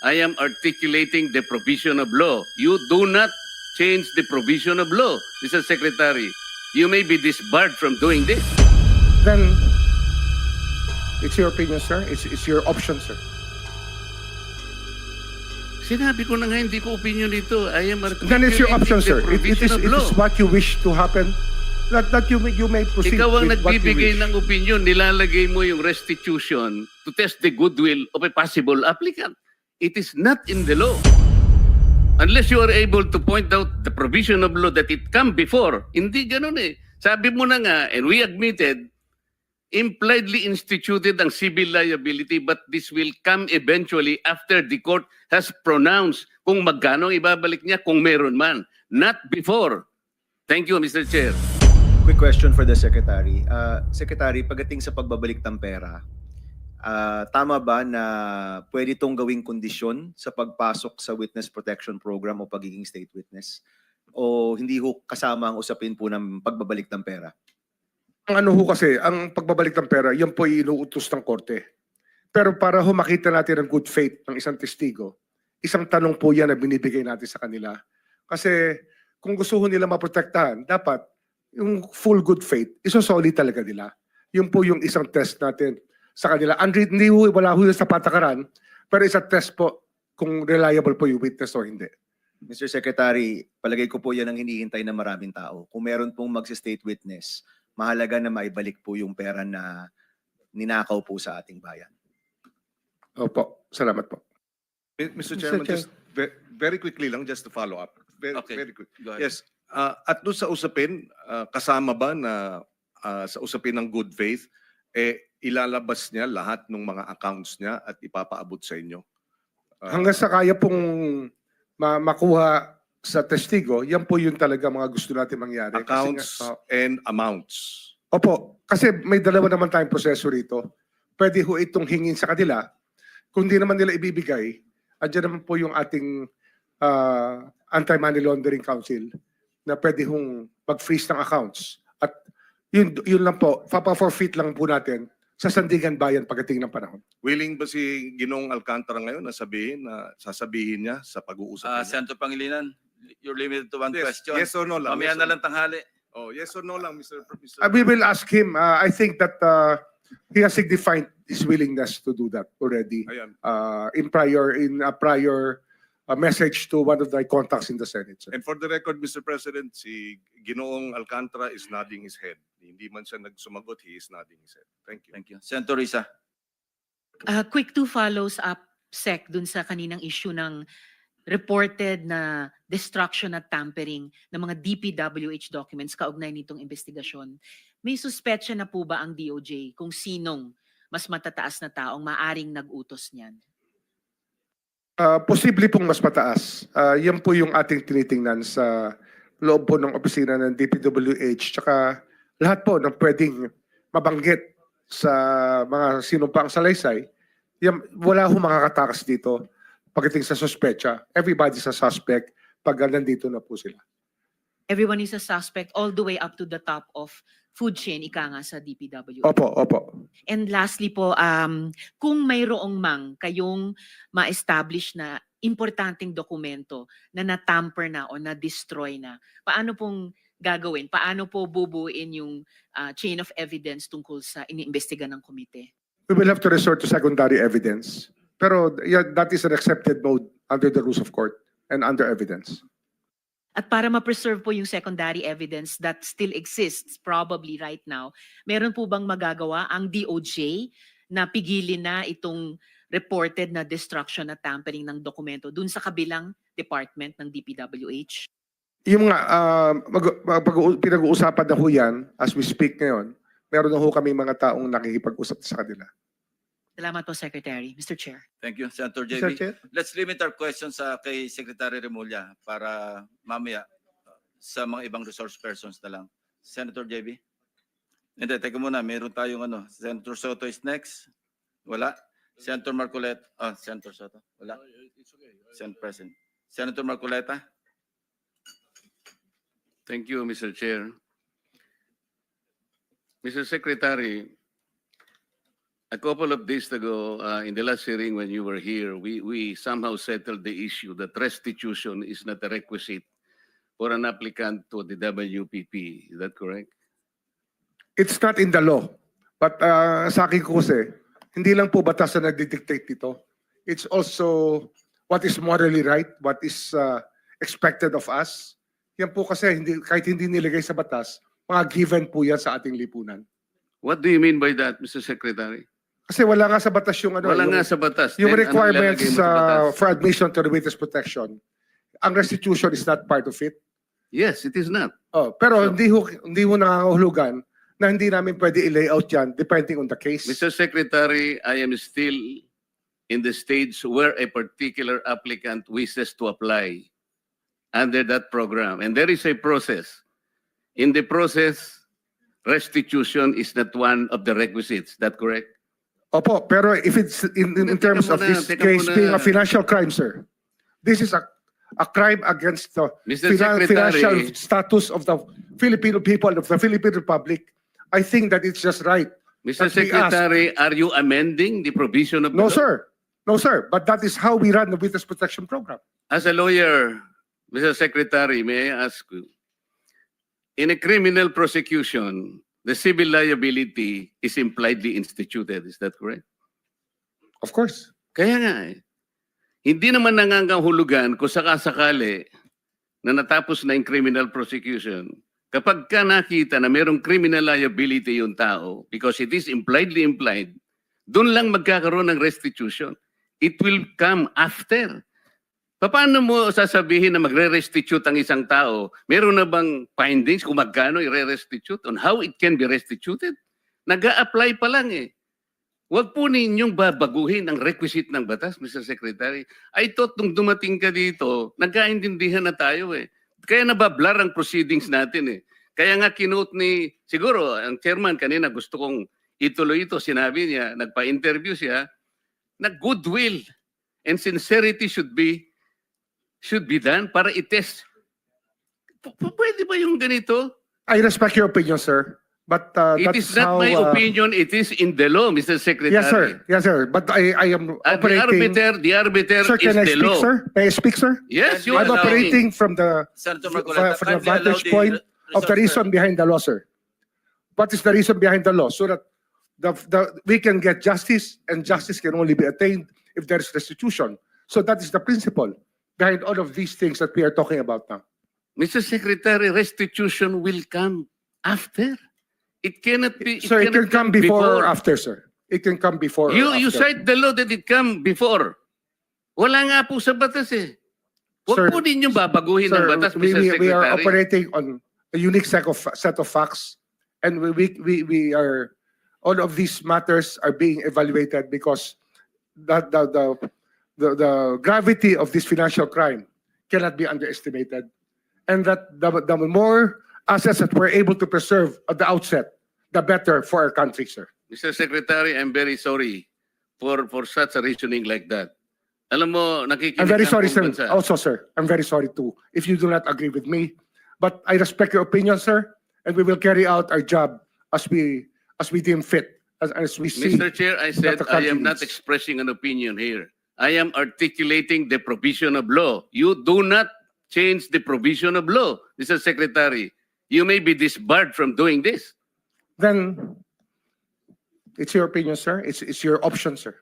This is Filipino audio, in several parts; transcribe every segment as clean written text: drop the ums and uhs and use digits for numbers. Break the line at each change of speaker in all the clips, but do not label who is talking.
I am articulating the provision of law. You do not change the provision of law, Mr. Secretary. You may be disbarred from doing this.
Then, it's your opinion, sir. It's your option, sir.
Sinabi ko na nga, hindi ko opinion dito. I am
Then it's your option,
articulating
sir.
the provision of
It
law.
is what you wish to happen. That you may proceed
Ikaw ang
with what you
nagbibigay
wish.
ng opinion, nilalagay mo yung restitution to test the goodwill of a possible applicant. It is not in the law. Unless you are able to point out the provision of law that it come before. Hindi ganun eh. Sabi mo na nga, and we admitted, impliedly instituted ang civil liability, but this will come eventually after the court has pronounced kung magkano ibabalik niya kung meron man. Not before. Thank you, Mr. Chair.
Quick question for the Secretary. Secretary, pagdating sa pagbabalik ng pera, tama ba na pwede itong gawing kondisyon sa pagpasok sa Witness Protection Program o pagiging state witness? O hindi ho kasama ang usapin po ng pagbabalik ng pera?
Ang ano ho kasi, ang pagbabalik ng pera, yan po ay inuutos ng korte. Pero para ho makita natin ang good faith ng isang testigo, isang tanong po yan na binibigay natin sa kanila. Kasi kung gusto ho nila maprotektahan, dapat yung full good faith, isosolid talaga nila. Yun po yung isang test natin sa kanila. Hindi ho, wala ho yun sa patakaran, pero isa test po kung reliable po yung witness o hindi.
Mr. Secretary, palagay ko po yan ang hinihintay ng maraming tao. Kung meron pong mag-state witness, mahalaga na maibalik po yung pera na ninakaw po sa ating bayan.
Opo, salamat po.
Mr. Chairman,
Chair.
just very quickly lang, just to follow up.
Okay.
Very quick.
Go ahead.
Yes. At doon sa usapin, kasama ba na sa usapin ng good faith, ilalabas niya lahat ng mga accounts niya at ipapaabot sa inyo?
Hanggang sa kaya pong makuha sa testigo, yan po yung talaga mga gusto natin mangyari.
Accounts
Kasi
and amounts.
opo, kasi may dalawa naman tayong proseso rito. Pwede ho itong hingin sa kanila. Kung di naman nila ibibigay, andyan naman po yung ating Anti-Money Laundering Council na pwede hong mag-freeze ng accounts. At yun lang po, papa-forfeit lang po natin sa Sandigan Bayan pagdating ng panahon.
Willing ba si Ginong Alcantara ngayon na sasabihin niya sa pag-uusap niya?
Senator Pangilinan, you're limited to one
Yes,
question.
yes or no lang?
Mamaya
Yes
na
or
lang tanghali.
Oh, yes or no lang, Mr.
We will ask him. I think that he has signified his willingness to do that already
Ayan.
in a prior message to one of the contacts in the Senate. Sir.
And for the record, Mr. President, si Ginoong Alcantara is nodding his head. Hindi man siya nagsumagot, he is nodding his head. Thank you.
Thank you. Senator Risa.
Quick two follows up, Sec, dun sa kaninang issue ng reported na destruction at tampering ng mga DPWH documents kaugnay nitong investigasyon. May suspetsya na po ba ang DOJ kung sinong mas matataas na taong maaring nag-utos niyan?
Posible pong mas mataas. Yan po yung ating tinitingnan sa loob po ng opisina ng DPWH tsaka lahat po ng pwedeng mabanggit sa mga sinumpang salaysay. Yan, wala ho makakatakas dito pagdating sa suspetsa. Everybody's a suspect pag nandito na po sila.
Everyone is a suspect all the way up to the top of food chain, ika nga sa DPWH.
Opo, opo.
And lastly po, kung mayroong mang kayong ma-establish na importanteng dokumento na natamper na o na-destroy na, paano pong gagawin? Paano po bubuin yung chain of evidence tungkol sa iniimbestiga ng komite?
We will have to resort to secondary evidence. Pero yeah, that is an accepted mode under the rules of court and under evidence.
At para ma-preserve po yung secondary evidence that still exists probably right now, meron po bang magagawa ang DOJ na pigilin na itong reported na destruction at tampering ng dokumento dun sa kabilang department ng DPWH?
Yung mga pinag-uusapan na ho yan, as we speak ngayon, meron na ho kami mga taong nakikipag-usap sa kanila.
Salamat po, Secretary. Mr. Chair.
Thank you, Senator
Mr.
JB.
Chair?
Let's limit our questions kay Secretary Remulla para mamaya sa mga ibang resource persons na lang. Senator JB? Hindi, teka muna. Meron tayong Senator Soto is next. Wala. Senator Marcoleta. Senator Soto. Wala. Senator President. Senator Marcoleta?
Thank you, Mr. Chair. Mr. Secretary, A couple of days ago, in the last hearing when you were here, we somehow settled the issue that restitution is not a requisite for an applicant to the WPP. Is that correct?
It's not in the law. But sa akin ko kasi, hindi lang po batas na nagdidictate dito. It's also what is morally right, what is expected of us. Yan po kasi kahit hindi nilagay sa batas, mga given po yan sa ating lipunan.
What do you mean by that, Mr. Secretary?
Kasi wala nga sa batas yung ano.
Wala
yung,
nga sa batas.
yung
Then, anong
requirements
ilalagay mo sa batas?
for admission to the witness protection. Ang restitution is not part of it.
Yes, it is not.
Oh, pero
So-
hindi ho nangangahulugan na hindi namin pwede i-layout yan depending on the case.
Mr. Secretary, I am still in the stage where a particular applicant wishes to apply under that program. And there is a process. In the process, restitution is not one of the requisites. Is that correct?
Opo, pero if it's in
Teka
terms of
muna,
this
teka
case
muna.
being a financial crime, sir, this is a crime against the
Mr.
financial
Secretary,
status of the Filipino people, of the Philippine Republic. I think that it's just right.
Mr.
that we ask-
Secretary, are you amending the provision of the
No,
law?
sir. No, sir. But that is how we run the witness protection program.
As a lawyer, Mr. Secretary, may I ask you, in a criminal prosecution, the civil liability is impliedly instituted. Is that correct?
Of course.
Kaya nga eh. Hindi naman nangangahulugan kung sakasakali na natapos na yung criminal prosecution. Kapag ka nakita na mayroong criminal liability yung tao, because it is impliedly implied, doon lang magkakaroon ng restitution. It will come after. Paano mo sasabihin na magre-restitute ang isang tao? Meron na bang findings kung magkano i-restitute on how it can be restituted? Nag-a-apply pa lang eh. Huwag po ninyong babaguhin ang requisite ng batas, Mr. Secretary. I thought nung dumating ka dito, nagkaintindihan na tayo eh. Kaya nabablar ang proceedings natin eh. Kaya nga kinote ni, siguro, ang chairman kanina gusto kong ituloy ito. Sinabi niya, nagpa-interview siya, na goodwill and sincerity should be done para i-test. Pwede ba yung ganito?
I respect your opinion, sir. But
It
that's
is not
how,
my opinion, it is in the law, Mr. Secretary.
Yes, sir. Yes, sir. But I am
At
operating.
the arbiter
Sir,
is
can I
the
speak,
law.
sir? May I speak, sir?
Yes, you
I'm
are
operating from the
Senator
from
Marcoleta,
the
kindly allow
vantage
the
point of the
resource
reason behind the law, sir. What is the reason behind the law? So that we can get justice, and justice can only be attained if there is restitution. So that is the principle behind all of these things that we are talking about now.
Mr. Secretary, restitution will come after. It cannot be.
So it can
cannot
come before or after, sir. It can come before. or
You
after.
cite the law that it come before. Wala nga po sa batas eh.
Sir,
Huwag po ninyong babaguhin ang
Sir,
batas, Mr. Secretary.
we are operating on a unique set of facts, and we are all of these matters are being evaluated because the gravity of this financial crime cannot be underestimated, and that the more assets that we're able to preserve at the outset, the better for our country, sir.
Mr. Secretary, I'm very sorry for such a reasoning like that. Alam mo, nakikinig
I'm very
ang
sorry,
buong
sir.
bansa.
Also, sir, I'm very sorry too if you do not agree with me. But I respect your opinion, sir, and we will carry out our job as we deem fit, as we see.
Mr. Chair, I said
the
I am
country
not
needs.
expressing an opinion here. I am articulating the provision of law. You do not change the provision of law, Mr. Secretary. You may be disbarred from doing this.
Then it's your opinion, sir. It's your option, sir.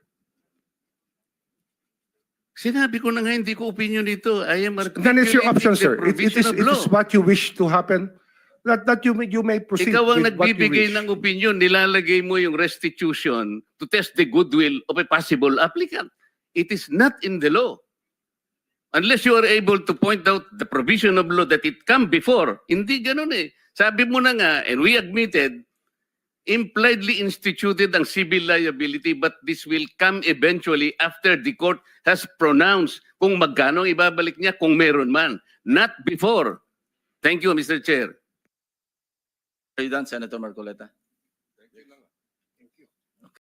Sinabi ko na nga, hindi ko opinion dito. I am
Then it's your option, sir.
the provision of
It
law.
is what you wish to happen. That you may proceed
Ikaw ang
with what you
nagbibigay
wish.
ng opinion, nilalagay mo yung restitution to test the goodwill of a possible applicant. It is not in the law. Unless you are able to point out the provision of law that it come before. Hindi ganun eh. Sabi mo na nga, and we admitted, impliedly instituted ang civil liability, but this will come eventually after the court has pronounced kung magkano ang ibabalik niya kung meron man. Not before. Thank you, Mr. Chair.
Are you done, Senator Marcoleta?